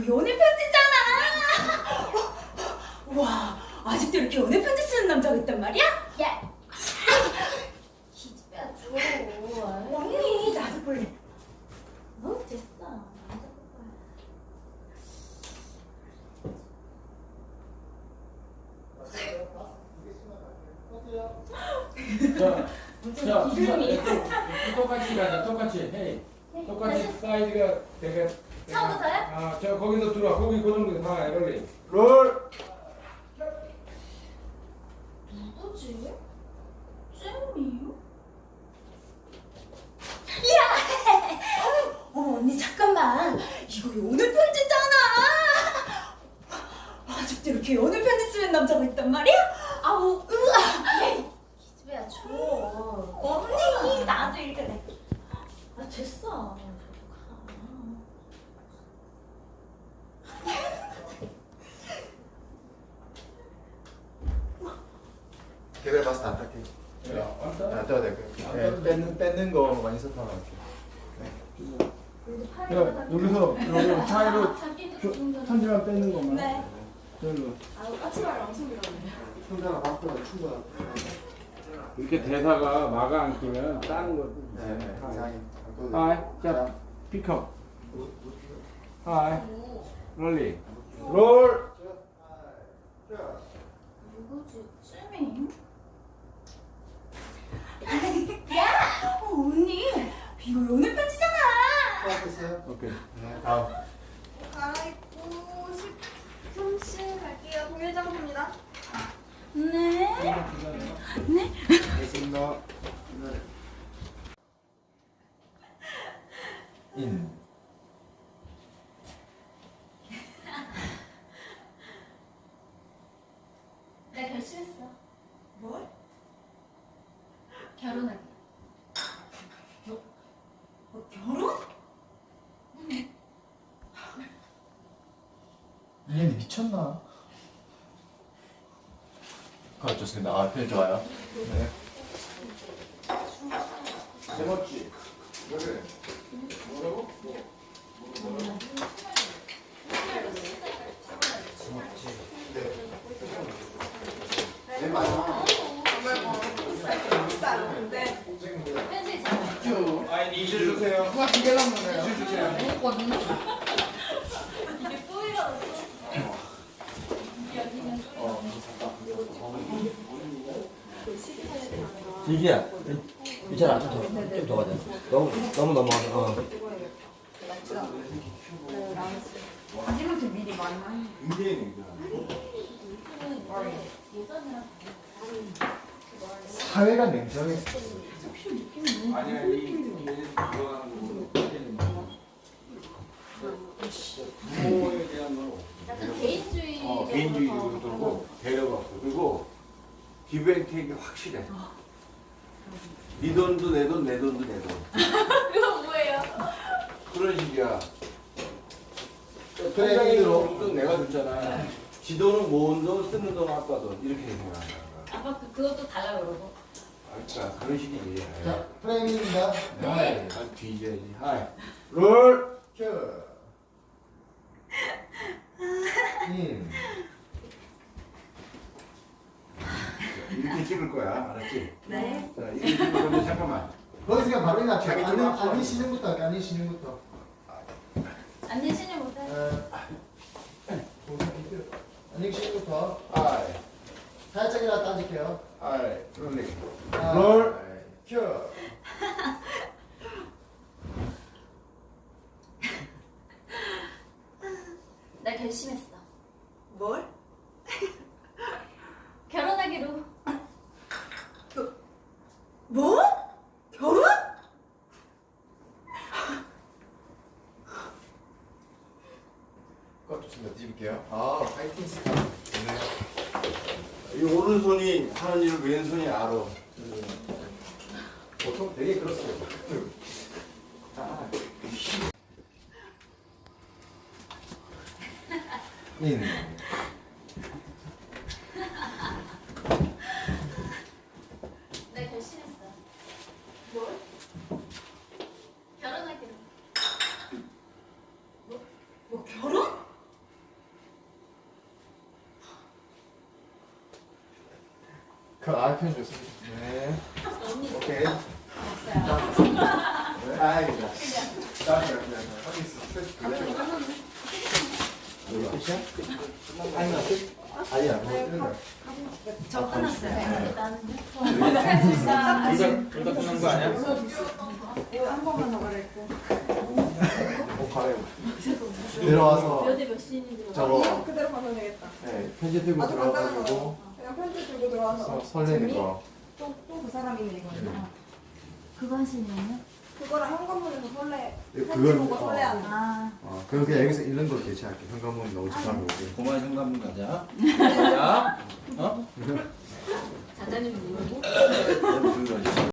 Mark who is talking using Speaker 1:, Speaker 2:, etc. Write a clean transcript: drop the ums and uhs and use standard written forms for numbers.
Speaker 1: 연애 편지잖아. 와, 아직도 이렇게 연애 편지 쓰는 남자가 있단 말이야? 야, 기집애야 줘. 언니, 나도 볼래. 됐어. 나도
Speaker 2: 자, 똑같이 가자. 똑같이. 헤이. 똑같이 사이즈가 되게.
Speaker 1: 처음부터요?
Speaker 2: 아, 저 거기서 들어와. 거기 그 정도 다 롤리.
Speaker 3: 롤.
Speaker 1: 누구지? 쌤이요? 야! 어머 언니 잠깐만. 이거 연애 편지잖아. 아직도 이렇게 연애 편지 쓰는 남자가 있단 말이야? 아우 으아. 기집애야 줘. 언니 나도 읽을래. 아 됐어.
Speaker 3: 걔를 봤을 때 안 닦게.
Speaker 2: 야, 왔다.
Speaker 3: 안 닦아도 될 거예요. 네, 뺏는 거 많이 썼던 것 같아요.
Speaker 2: 야, 여기서 여기 사이로 편지만 뺏는 것만.
Speaker 1: 네.
Speaker 2: 저기로.
Speaker 1: 아우 까치발 엄청 길었네.
Speaker 3: 혼자가 바꾸면 충분한.
Speaker 2: 이렇게 대사가 마가 안 끼면 다른 거.
Speaker 3: 네, 이상해.
Speaker 2: 하이, 자, 픽업. 하이, 롤리. 롤.
Speaker 1: 누구지? 쌤이? 야! 언니! 이거 연애 편지잖아!
Speaker 3: 됐어요?
Speaker 2: 오케이.
Speaker 3: 네, 다음.
Speaker 4: 갈아입고 13시 갈게요. 동일장소입니다.
Speaker 1: 네? 네?
Speaker 3: 됐습니다. 인.
Speaker 1: 나 결심했어.
Speaker 4: 뭘?
Speaker 1: 결혼하기. 결혼?
Speaker 3: 얘네 미쳤나? 좋습니다. 아, 표현 좋아요. 네.
Speaker 2: 제멋지. 그래. 뭐라고?
Speaker 3: 네, 맞아.
Speaker 4: 비싸요. 네.
Speaker 1: 편지 잘.
Speaker 2: 아니, 이실 주세요.
Speaker 3: 누가 두 개나 먹나요?
Speaker 2: 이실 주세요.
Speaker 1: 먹었거든요? 이게 뿌이라고.
Speaker 5: 이기야, 이찬아 좀더 가자. 너무 넘어가서.
Speaker 1: 마지막에 미리 많이.
Speaker 3: 사회가 냉정해.
Speaker 2: 아니야, 이 좋아하는 거. 부모에 대한 거.
Speaker 1: 약간 개인주의.
Speaker 2: 개인주의로 들고 배려가 없어. 그리고 기브앤테이크 확실해. 네 돈도 내 돈, 내 돈도 내 돈.
Speaker 1: 그거 뭐예요?
Speaker 2: 그런 식이야.
Speaker 3: 그래,
Speaker 2: 통장에
Speaker 3: 얘기로.
Speaker 2: 있는 돈 내가 줬잖아. 지 돈은 모은 돈, 쓰는 돈 아빠 돈 이렇게 생각하는 거야.
Speaker 1: 아빠 그것도 달라 그러고.
Speaker 2: 그러니까 그런 식이지.
Speaker 3: 자, 프레임입니다.
Speaker 2: 하이, 아 뒤져야지. 하이.
Speaker 3: 롤. 큐. 인.
Speaker 2: 이렇게 찍을 거야, 알았지?
Speaker 4: 네.
Speaker 2: 자, 이렇게 찍을 건데 잠깐만.
Speaker 3: 거기서 그냥 바로 이나
Speaker 2: 자기 좀 앞서.
Speaker 3: 아니 시즌부터 할게. 아니 시즌부터.
Speaker 1: 안내 신용 못해.
Speaker 3: 아니 시즌부터
Speaker 2: 하이,
Speaker 3: 살짝이라도 따질게요.
Speaker 2: 하이, 롤링.
Speaker 3: 롤. 큐.
Speaker 1: 나 결심했어.
Speaker 4: 뭘?
Speaker 1: 결혼하기로.
Speaker 4: 뭐? 결혼?
Speaker 3: 꼭 좋습니다. 뒤집을게요. 아, 파이팅 스타. 네.
Speaker 2: 이 오른손이 하는 일을 왼손이 알아.
Speaker 3: 보통 되게 그렇습니다. 인.
Speaker 1: 나 결심했어.
Speaker 4: 뭘?
Speaker 1: 결혼하기로.
Speaker 4: 뭐 결혼?
Speaker 3: 그 아이펜 좋습니다. 네. 오케이. 아이다. 여기 있어.
Speaker 5: 이게 끝이야? 아니야 끝? 아니야 뭐 끝나.
Speaker 1: 저 끝났어요.
Speaker 6: 둘다 끝난 거 아니야?
Speaker 4: 한 번만 더 말했고.
Speaker 3: 옷 갈아입고. 내려와서
Speaker 1: 몇 시인지
Speaker 3: 저거
Speaker 4: 그대로 가면 되겠다.
Speaker 3: 네, 편지 들고
Speaker 4: 아주 간단한
Speaker 3: 들어가가지고
Speaker 4: 거. 그냥 편지 들고 들어와서.
Speaker 3: 설레는 거.
Speaker 4: 또그 사람이네 이거.
Speaker 1: 그거 하시는 거예요?
Speaker 4: 그거랑 현관문에서 설레. 편지
Speaker 3: 그걸
Speaker 4: 보고 설레하는 거.
Speaker 1: 아.
Speaker 3: 그럼 그냥 여기서 읽는 걸로 대체할게. 현관문 너무 집하고 오고.
Speaker 6: 고만 현관문 가자. 자, 어?
Speaker 1: 사장님 누구고?
Speaker 2: 불러줘.